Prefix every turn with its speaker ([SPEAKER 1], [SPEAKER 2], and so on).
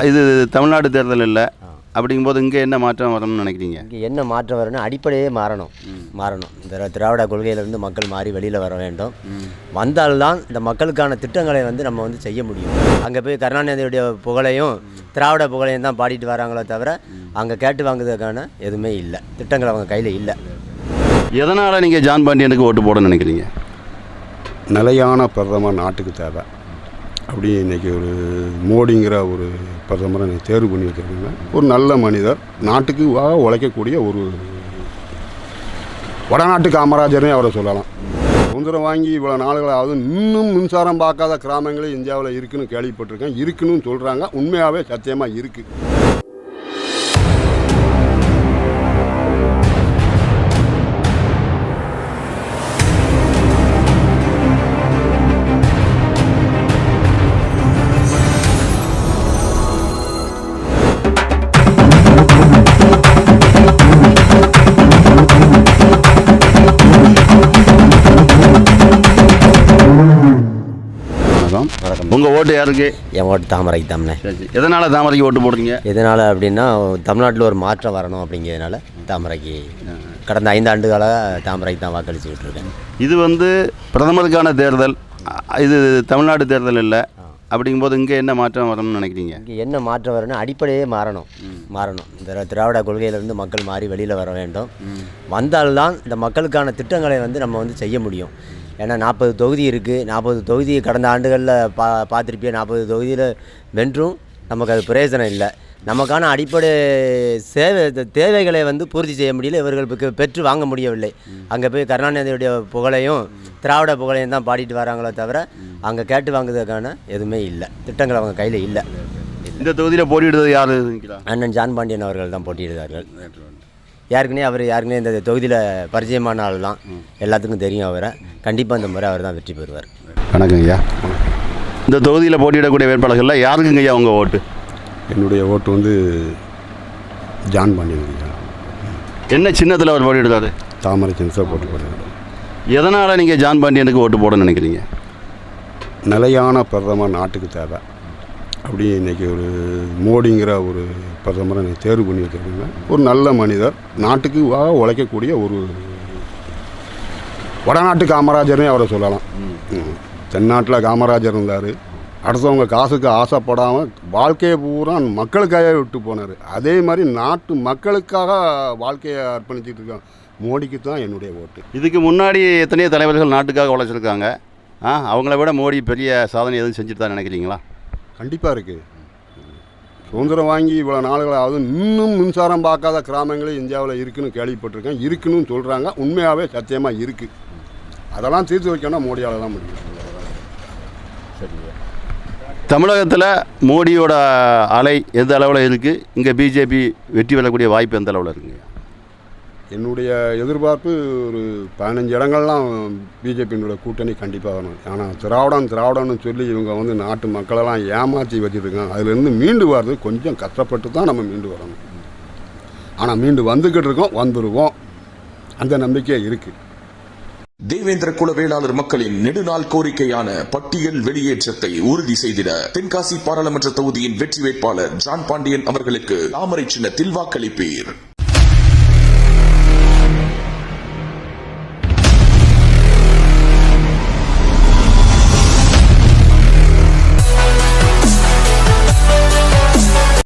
[SPEAKER 1] இது தமிழ்நாடு தேர்தல் இல்லை அப்படிங்கும்போது இங்கே என்ன மாற்றம் வரும்னு நினைக்கிறீங்க?
[SPEAKER 2] இங்கே என்ன மாற்றம் வரும்னா அடிப்படையே மாறணும். இந்த திராவிட கொள்கையிலேருந்து மக்கள் மாறி வெளியில் வர வேண்டும். வந்தால்தான் இந்த மக்களுக்கான திட்டங்களை நம்ம செய்ய முடியும். அங்கே போய் கருணாநிதியுடைய புகழையும் திராவிட புகழையும் தான் பாடிட்டு வராங்களோ தவிர அங்கே கேட்டு வாங்குறதுக்கான எதுவுமே இல்லை, திட்டங்கள் அவங்க கையில் இல்லை.
[SPEAKER 1] எதனால் நீங்கள் ஜான் பாண்டியனுக்கு ஓட்டு போட நினைக்கிறீங்க?
[SPEAKER 3] நிலையான பிரதமர் நாட்டுக்கு தேவை. அப்படி இன்றைக்கி ஒரு மோடிங்கிற ஒரு பிரதமரை தேர்வு பண்ணி வச்சுருக்காங்க. ஒரு நல்ல மனிதர், நாட்டுக்கு உழைக்கக்கூடிய ஒரு வடநாட்டு காமராஜர்னே அவரை சொல்லலாம். சுதந்திரம் வாங்கி இவ்வளோ நாடுகளாவது இன்னும் மின்சாரம் பார்க்காத கிராமங்களே இந்தியாவில் இருக்குன்னு கேள்விப்பட்டிருக்கேன். இருக்குன்னு சொல்கிறாங்க. உண்மையாகவே சத்தியமாக இருக்குது.
[SPEAKER 1] உங்கள் ஓட்டு யாருக்கு?
[SPEAKER 2] என் ஓட்டு தாமரைக்கு தாமனே.
[SPEAKER 1] எதனால் தாமரைக்கு ஓட்டு போடுறீங்க?
[SPEAKER 2] எதனால் அப்படின்னா தமிழ்நாட்டில் ஒரு மாற்றம் வரணும் அப்படிங்கிறதுனால தாமரைக்கு கடந்த 5 ஆண்டுகளாக தாமரைக்கு தான் வாக்களிச்சுக்கிட்டு இருக்கேன்.
[SPEAKER 1] இது பிரதமருக்கான தேர்தல், இது தமிழ்நாடு தேர்தல் இல்லை அப்படிங்கும்போது இங்கே என்ன மாற்றம் வரும்னு நினைக்கிறீங்க?
[SPEAKER 2] இங்கே என்ன மாற்றம் வரும்னா அடிப்படையே மாறணும். இந்த திராவிட கொள்கையிலேருந்து மக்கள் மாறி வெளியில் வர வேண்டும். வந்தால்தான் இந்த மக்களுக்கான திட்டங்களை நம்ம செய்ய முடியும். ஏன்னா 40 தொகுதி இருக்குது. 40 தொகுதி கடந்த ஆண்டுகளில் பார்த்துருப்பிய 40 தொகுதியில் வென்றும் நமக்கு அது பிரயோஜனம் இல்லை. நமக்கான அடிப்படை தேவைகளை பூர்த்தி செய்ய முடியல, இவர்களுக்கு பெற்று வாங்க முடியவில்லை. அங்கே போய் கருணாநிதியுடைய புகழையும் திராவிட புகழையும் தான் பாடிட்டு வராங்களோ தவிர அங்கே கேட்டு வாங்குறதுக்கான எதுவுமே இல்லை, திட்டங்கள் அவங்க கையில் இல்லை.
[SPEAKER 1] இந்த தொகுதியில் போட்டியிடுறது யார்?
[SPEAKER 2] அண்ணன் ஜான் பாண்டியன் அவர்கள் தான் போட்டியிடுகிறார்கள். யாருக்குனே இந்த தொகுதியில் பரிச்சயமான ஆள் தான், எல்லாத்துக்கும் தெரியும். அவரை கண்டிப்பாக இந்த முறை அவர் தான் வெற்றி பெறுவார்.
[SPEAKER 1] வணக்கம் ஐயா. இந்த தொகுதியில் போட்டியிடக்கூடிய வேட்பாளர்களில் யாருக்குங்க ஐயா உங்கள் ஓட்டு?
[SPEAKER 3] என்னுடைய ஓட்டு ஜான் பாண்டியன்.
[SPEAKER 1] என்ன சின்னத்தில் அவர் போட்டியிடுறாரு?
[SPEAKER 3] தாமரை சின்னத்தில் போட்டு போடுறாரு.
[SPEAKER 1] எதனால் நீங்கள் ஜான் பாண்டியனுக்கு ஓட்டு போட நினைக்கிறீங்க?
[SPEAKER 3] நிலையான பிரதமர் நாட்டுக்கு தேவை. அப்படி இன்றைக்கி ஒரு மோடிங்கிற ஒரு பிரதமரை தேர்வு பண்ணி வச்சுருக்காங்க. ஒரு நல்ல மனிதர், நாட்டுக்கு உழைக்கக்கூடிய ஒரு வடநாட்டு காமராஜர்னே அவரை சொல்லலாம். தென்னாட்டில் காமராஜர் இருந்தார். அடுத்தவங்க காசுக்கு ஆசைப்படாமல் வாழ்க்கையை பூரா மக்களுக்காக விட்டு போனார். அதே மாதிரி நாட்டு மக்களுக்காக வாழ்க்கையை அர்ப்பணிச்சுட்டு இருக்காங்க. மோடிக்கு தான் என்னுடைய ஓட்டு.
[SPEAKER 1] இதுக்கு முன்னாடி எத்தனையோ தலைவர்கள் நாட்டுக்காக உழைச்சிருக்காங்க. அவங்கள விட மோடி பெரிய சாதனை எதுவும் செஞ்சுட்டு தான் நினைக்கிறீங்களா?
[SPEAKER 3] கண்டிப்பாக இருக்குது. சுதந்திரம் வாங்கி இவ்வளோ நாடுகளாவது இன்னும் மின்சாரம் பார்க்காத கிராமங்களே இந்தியாவில் இருக்குன்னு கேள்விப்பட்டிருக்கேன். இருக்குன்னு சொல்கிறாங்க. உண்மையாகவே சத்தியமாக இருக்குது. அதெல்லாம் தீர்த்து வைக்கணும்னா மோடியால் தான் முடியும்.
[SPEAKER 1] தமிழகத்தில் மோடியோட அலை எந்த அளவில் இருக்குது? இங்கே பிஜேபி வெற்றி பெறக்கூடிய வாய்ப்பு எந்த அளவில் இருக்குங்க?
[SPEAKER 3] என்னுடைய எதிர்பார்ப்பு ஒரு 15 இடங்கள்லாம் பிஜேபியினுடைய கூட்டணி கண்டிப்பாக வரணும். ஆனால் திராவிடம்னு சொல்லி இவங்க நாட்டு மக்களெல்லாம் ஏமாற்றி வச்சுருக்காங்க. அதுலேருந்து மீண்டு வர்றது கொஞ்சம் கஷ்டப்பட்டு தான் நம்ம மீண்டு வரணும். ஆனால் மீண்டு வந்துக்கிட்டு இருக்கோம், வந்துடுவோம். அந்த நம்பிக்கை இருக்குது.
[SPEAKER 4] தேவேந்திர குல வேளாளர் மக்களின் நெடுநாள் கோரிக்கையான பட்டியல் வெளியேற்றத்தை உறுதி செய்திட தென்காசி பாராளுமன்ற தொகுதியின் வெற்றி வேட்பாளர் ஜான் பாண்டியன் அவர்களுக்கு தாமரை சின்னத்தில் வாக்களிப்பீர்.